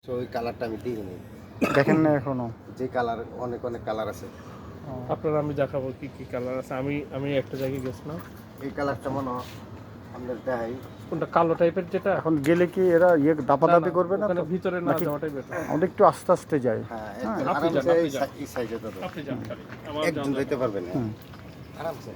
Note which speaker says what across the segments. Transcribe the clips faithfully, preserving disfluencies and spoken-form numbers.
Speaker 1: তো ওই কালারটা আমি দিইনি।
Speaker 2: দেখেন না এখনো?
Speaker 1: যে কালার অনেক অনেক কালার আছে।
Speaker 3: আপনারা আমি দেখাবো কি কি কালার আছে। আমি আমি একটা জায়গায় গেছিলাম,
Speaker 1: এই কালারটা মনে হয় আপনার দেখাই।
Speaker 3: কোনটা কালো টাইপের যেটা।
Speaker 2: এখন গেলে কি এরা ইয়ে দাপাদাপি করবে না
Speaker 3: ওখানে
Speaker 2: তো?
Speaker 3: ভিতরে না
Speaker 2: নাকি
Speaker 3: যাওয়াটাই বেটার।
Speaker 2: আমাদের একটু আস্তে আস্তে যাই।
Speaker 1: হ্যাঁ,
Speaker 2: হ্যাঁ,
Speaker 1: একদম
Speaker 3: আপনি যান,
Speaker 1: আরামসে
Speaker 3: আপনি
Speaker 1: এই
Speaker 3: যান।
Speaker 1: সাই- এই সাইজে দাদা।
Speaker 3: আপনি যান খালি, আমার
Speaker 1: একজন
Speaker 3: যাওয়া
Speaker 1: যেতে
Speaker 3: যাবে না।
Speaker 1: পারবেন না।
Speaker 2: হুম।
Speaker 1: আরামসে।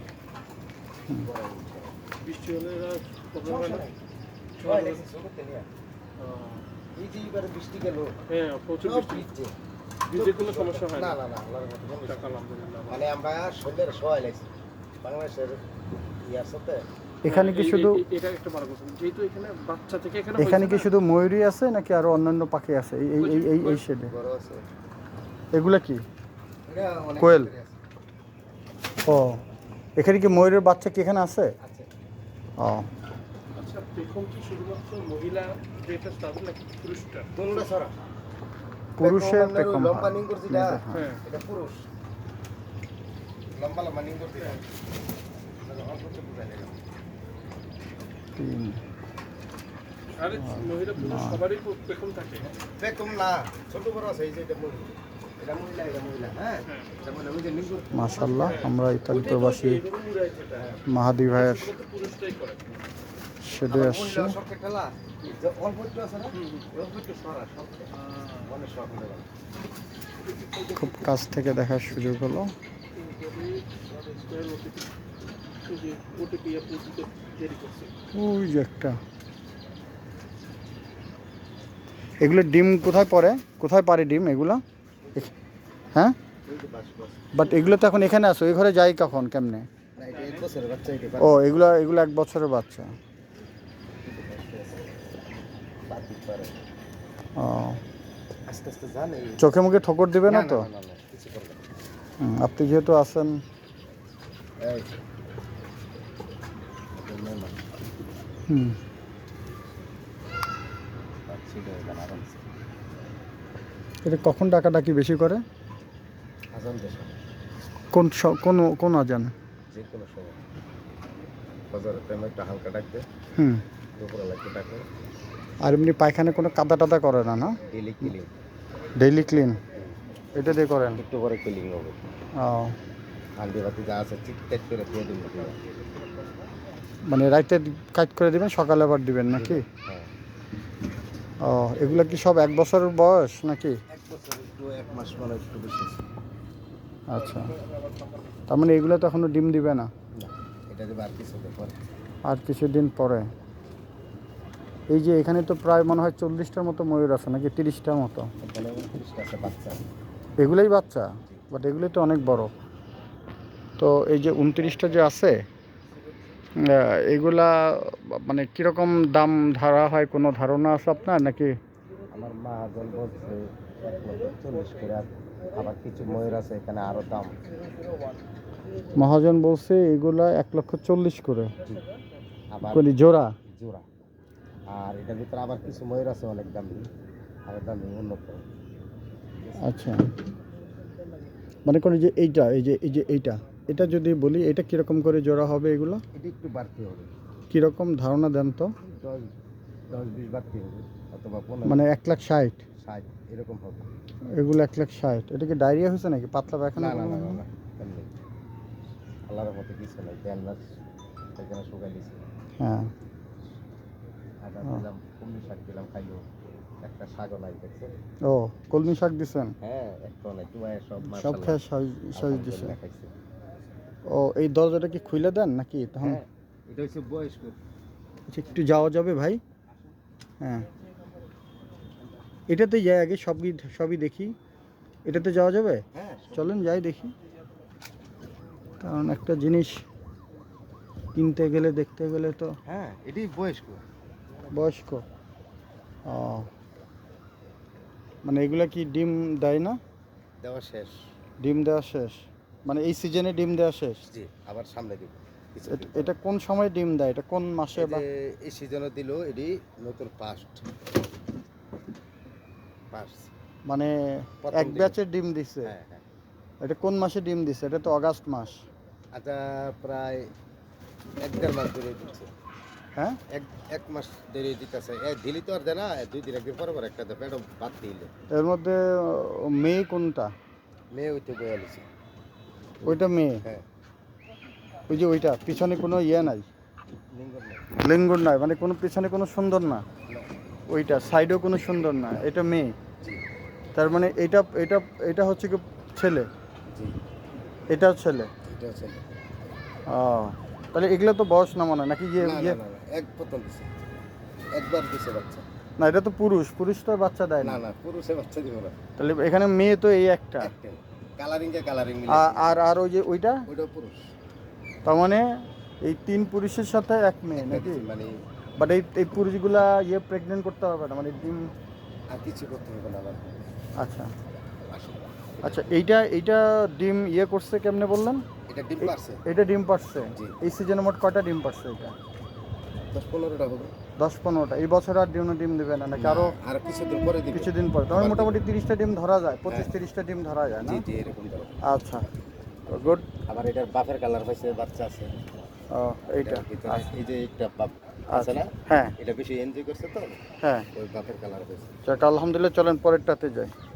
Speaker 3: বৃষ্টি হলে এরা প্রবলেম হয় না।
Speaker 1: হয় নাকি, জগতে নিয়ে। এই যে এবারে বৃষ্টি গেল,
Speaker 3: হ্যাঁ, প্রচুর
Speaker 1: সব
Speaker 3: বৃষ্টি।
Speaker 1: ভিজছে।
Speaker 3: ভিজে কোনো সমস্যা হয়
Speaker 1: না
Speaker 3: না।
Speaker 1: না না, আল্লাহর মতো কোনো
Speaker 3: যাক, আলহামদুলিল্লাহ।
Speaker 1: মানে আমরা সন্ধ্যের সবাই লাগছি বাংলাদেশের ইয়ার সাথে।
Speaker 2: এখানে কি
Speaker 3: এই-
Speaker 2: শুধু
Speaker 3: এই- এটা একটা ভালো কথা, যেহেতু এখানে বাচ্চা থেকে এখানে
Speaker 2: এখানে
Speaker 3: হয়েছে
Speaker 2: কি
Speaker 3: না,
Speaker 2: শুধু ময়ূরই আছে নাকি আরো অন্যান্য পাখি আছে এই এই এই এই এই শেডে?
Speaker 1: বড় আছে
Speaker 2: এগুলা কি?
Speaker 1: এটা অনেক
Speaker 2: কোয়েল।
Speaker 1: ভিতরে আছে।
Speaker 2: ও, এখানে কি ময়ূরের বাচ্চা কি এখানে আছে?
Speaker 1: আছে
Speaker 2: ও,
Speaker 3: আচ্ছা পেখম কি শুধুমাত্র মহিলা যেটা তাদের নাকি পুরুষটা?
Speaker 1: দুলটা ছড়া
Speaker 2: পুরুষের
Speaker 1: পেখম আপনার ওই
Speaker 2: পেখম
Speaker 1: লম্বা
Speaker 2: হয়।
Speaker 1: নিং করছি এটা,
Speaker 3: হ্যাঁ।
Speaker 1: এটা পুরুষ লম্বা লম্বা নিং করছি এটা। অল্প একটু বুঝাই দিলাম।
Speaker 2: তিন।
Speaker 3: আরে মহিলা পুরুষ সবারই পেখম থাকে।
Speaker 1: পেখম না, ছোট বড় আছে। এই যে এটা মহিলা, এটা মহিলা, এটা মহিলা। হ্যাঁ, এটা মহিলা। ওই যে নিং করছি।
Speaker 2: মাশাআল্লাহ, আমরা ইতালি প্রবাসী
Speaker 3: এইভাবে উড়াইছে এটা, হ্যাঁ।
Speaker 2: মাহাদি ভাইয়ের
Speaker 3: শুধুমাত্র পুরুষটাই করে।
Speaker 2: শেডে
Speaker 1: আমার
Speaker 2: আসছে।
Speaker 1: মহিলা সবকে খেলা যে অল্প একটু আছে না, অল্প একটু সরা সবকে অনেক শখ হয়ে গেল।
Speaker 2: খুব কাছ থেকে দেখার সুযোগ হলো। ওই যে একটা, এগুলো ডিম কোথায় পড়ে, কোথায় পারে ডিম এগুলো? এখ- হ্যাঁ,
Speaker 1: এই যে বাস বাস।
Speaker 2: বাট এগুলো তো এখন এখানে আছে, ওই ঘরে যাই কখন কেমনে?
Speaker 1: না, এটা এক বছরের বাচ্চা, এটা
Speaker 2: ও, এগুলো এগুলো এক বছরের বাচ্চা।
Speaker 1: বাদ দিতে পারে।
Speaker 2: ও,
Speaker 1: আস্তে আস্তে জানে।
Speaker 2: চোখে মুখে ঠোকর দিবে না তো?
Speaker 1: না না না, কিছু করবে না।
Speaker 2: হুম, আপনি যেহেতু আছেন।
Speaker 1: এই এটা মেহমান,
Speaker 2: হুম,
Speaker 1: বাচ্চা এটা এখানে আরামসে
Speaker 2: এটা কখন ডাকাডাকি বেশি করে?
Speaker 1: আজান দেশ
Speaker 2: কোন স- কোন কোন আজান?
Speaker 1: যে কোনো সময় বাজারের টাইমে একটা হালকা ডাকবে,
Speaker 2: হুম,
Speaker 1: দুপুরবেলা একটু ডাকবে।
Speaker 2: আর এমনি পায়খানা কোনো কাদা টাদা করে না? না,
Speaker 1: ডেলি ক্লিনিং,
Speaker 2: ডেইলি ক্লিন এটা দিয়ে করেন?
Speaker 1: একটু পরে ক্লিনিং হবে।
Speaker 2: ও,
Speaker 1: হান্ডি বাতি যা আছে ঠিক টাইট করে দিয়ে দিন।
Speaker 2: মানে রাইতে কাজ করে দিবেন, সকালে আবার দিবেন নাকি?
Speaker 1: হ্যাঁ,
Speaker 2: ও, এগুলা কি সব এক বছরের বয়স নাকি?
Speaker 1: এক বছর একটু এক মাস মানে একটু বেশি।
Speaker 2: আচ্ছা, তার মানে এগুলো তো এখনো ডিম দিবে না?
Speaker 1: না, এটা দেবে আর কিছু পর।
Speaker 2: আর কিছুদিন পরে। এই যে এখানে তো প্রায় মনে হয় চল্লিশটার মতো ময়ূর আছে নাকি তিরিশটার মতো?
Speaker 1: এখানে উনত্রিশটা আছে বাচ্চা।
Speaker 2: এগুলোই বাচ্চা, বাট এগুলোই তো অনেক বড়। তো এই যে উনত্রিশটা যে আছে, আহ, এগুলা মানে কীরকম দাম ধরা হয়, কোনো ধারণা আছে আপনার নাকি?
Speaker 1: আমার মা জন বলছে এক লক্ষ চল্লিশ করে, আবার কিছু ময়ূর আছে এখানে আরো দাম।
Speaker 2: মহাজন বলছে এগুলা এক লক্ষ চল্লিশ করে
Speaker 1: আবার
Speaker 2: কোনি জোড়া?
Speaker 1: জোড়া। আর এটার ভিতরে আবার কিছু ময়ূর আছে অনেক দামি, আরো দামি উন্নত।
Speaker 2: আচ্ছা, মানে করি যে এইটা, এই যে এই যে এইটা, এটা যদি বলি এটা কীরকম করে জোড়া হবে এগুলো?
Speaker 1: এটা একটু বাড়তি হবে,
Speaker 2: কীরকম ধারণা দেন তো?
Speaker 1: দশ দশ বিশ বাড়তি হবে, অথবা পনেরো
Speaker 2: মানে এক লাখ ষাট
Speaker 1: ষাট এরকম হবে।
Speaker 2: এগুলো এক লাখ ষাট। এটা কি ডায়রিয়া হয়েছে নাকি, পাতলা পায়খানা?
Speaker 1: না না না না না, এমনি আল্লাহর মতো কিছু নাই। দেড় মাস এখানে শুকাই দিয়েছি।
Speaker 2: হ্যাঁ,
Speaker 1: আদা দিলাম, কুমড়ি শাক দিলাম, খাইলো। একটা শাকও নাই দেখছে।
Speaker 2: ও, কলমি শাক দিছেন?
Speaker 1: হ্যাঁ, একটা নাই টুয়ায় সব
Speaker 2: সব
Speaker 1: মাশাআল্লাহ
Speaker 2: খেয়ে সাইজ সাইজ দিছে।
Speaker 1: আলহামদুলিল্লাহ খাইছে।
Speaker 2: ও, এই দরজাটা কি খুলে দেন নাকি তখন?
Speaker 1: হ্যাঁ, এটা হচ্ছে বয়স্ক।
Speaker 2: আচ্ছা, একটু যাওয়া যাবে ভাই? হ্যাঁ, এটাতে যাই আগে, সবই সবই দেখি। এটাতে যাওয়া যাবে?
Speaker 1: হ্যাঁ,
Speaker 2: চলেন যাই দেখি, কারণ একটা জিনিস কিনতে গেলে দেখতে গেলে তো।
Speaker 1: হ্যাঁ, এটাই বয়স্ক।
Speaker 2: বয়স্ক। ও, মানে এগুলা কি ডিম দেয় না?
Speaker 1: দেওয়া শেষ।
Speaker 2: ডিম দেওয়া শেষ মানে এই সিজনে ডিম দেওয়া শেষ?
Speaker 1: জি, আবার সামনে দিব।
Speaker 2: এট- এটা কোন সময় ডিম দেয়, এটা কোন মাসে বা?
Speaker 1: এই সিজনে দিল এটি নতুন ফার্স্ট ফার্স্ট
Speaker 2: মানে
Speaker 1: প্রথম
Speaker 2: এক
Speaker 1: দিকে।
Speaker 2: ব্যাচের ডিম দিছে?
Speaker 1: হ্যাঁ হ্যাঁ,
Speaker 2: এটা কোন মাসে ডিম দিছে? এটা তো অগাস্ট মাস।
Speaker 1: আচ্ছা প্রায় এক দেড় মাস ধরে দিচ্ছে।
Speaker 2: হ্যাঁ
Speaker 1: এক এক মাস দেরি দিতেছে এ দিলি তো আর দেয় না দুই দিন একদিন পরে পরে একটা দেবে এটা বাদ দিলে
Speaker 2: এর মধ্যে আহ, মেয়ে কোনটা?
Speaker 1: মেয়ে ওইতে বয়ে আলিছে
Speaker 2: ওইটা মেয়ে,
Speaker 1: হ্যাঁ
Speaker 2: ওই যে ওইটা পিছনে কোনো ইয়ে নাই,
Speaker 1: লিঙ্গন না
Speaker 2: লিঙ্গুর নাই, মানে কোনো পিছনে কোনো সুন্দর না, ওইটা সাইডেও কোনো সুন্দর না, এটা মেয়ে।
Speaker 1: জি
Speaker 2: তার মানে এটা এটা এটা হচ্ছে কি ছেলে,
Speaker 1: জি
Speaker 2: এটাও ছেলে।
Speaker 1: এটা ছেলে
Speaker 2: ও তাহলে এগুলো তো বয়স না মনে হয় নাকি? ইয়ে
Speaker 1: না
Speaker 2: ইয়ে
Speaker 1: না না না, এক প্রথম দিছে একবার দিছে বাচ্চা
Speaker 2: না, এটা তো পুরুষ, পুরুষ তো আর বাচ্চা দেয়
Speaker 1: না
Speaker 2: না।
Speaker 1: না পুরুষে বাচ্চা দিব না
Speaker 2: তাহলে এখানে মেয়ে তো এই একটা,
Speaker 1: একটাই কালারিং কে কালারিং মিলে
Speaker 2: আ- আর আর ওই যে ওইটা,
Speaker 1: ওইটা পুরুষ
Speaker 2: তার মানে এই তিন পুরুষের সাথে এক মেয়ে নাকি?
Speaker 1: মানে
Speaker 2: বাট এই এই পুরুষগুলা ইয়ে প্রেগনেন্ট করতে হবে না, মানে ডিম।
Speaker 1: আর কিছু করতে হবে না আমার
Speaker 2: আচ্ছা
Speaker 1: আসলে
Speaker 2: আচ্ছা, এইটা এইটা ডিম ইয়ে করছে কেমনে বললেন?
Speaker 1: এটা ডিম পারছে
Speaker 2: এটা ডিম পারছে
Speaker 1: জি।
Speaker 2: এই সিজনে মোট কয়টা ডিম পারছে এটা?
Speaker 1: দশ পনেরোটা হবে
Speaker 2: দশ পনেরোটা। এই বছর আর ডিম ডিম দেবে না নাকি আরো
Speaker 1: আর কিছুদিন পরে দিবে
Speaker 2: কিছুদিন পর? তখন
Speaker 1: আবার
Speaker 2: মোটামুটি তিরিশটা ডিম ধরা যায়, পঁচিশ
Speaker 1: হ্যাঁ।
Speaker 2: তিরিশটা ডিম ধরা যায় না?
Speaker 1: জি জি এরকম ধরো
Speaker 2: আচ্ছা গুড।
Speaker 1: আবার এটার বাপের কালার হয়েছে বাচ্চা আছে
Speaker 2: এইটা
Speaker 1: এটার ভিতরে এই যে একটা বাপ আছে
Speaker 2: আচ্ছা
Speaker 1: না
Speaker 2: হ্যাঁ
Speaker 1: এটা বেশি এনজয় করছে তো
Speaker 2: হ্যাঁ,
Speaker 1: ওই বাপের কালার হয়েছে
Speaker 2: যাক আলহামদুলিল্লাহ, চলেন পরেরটাতে যাই।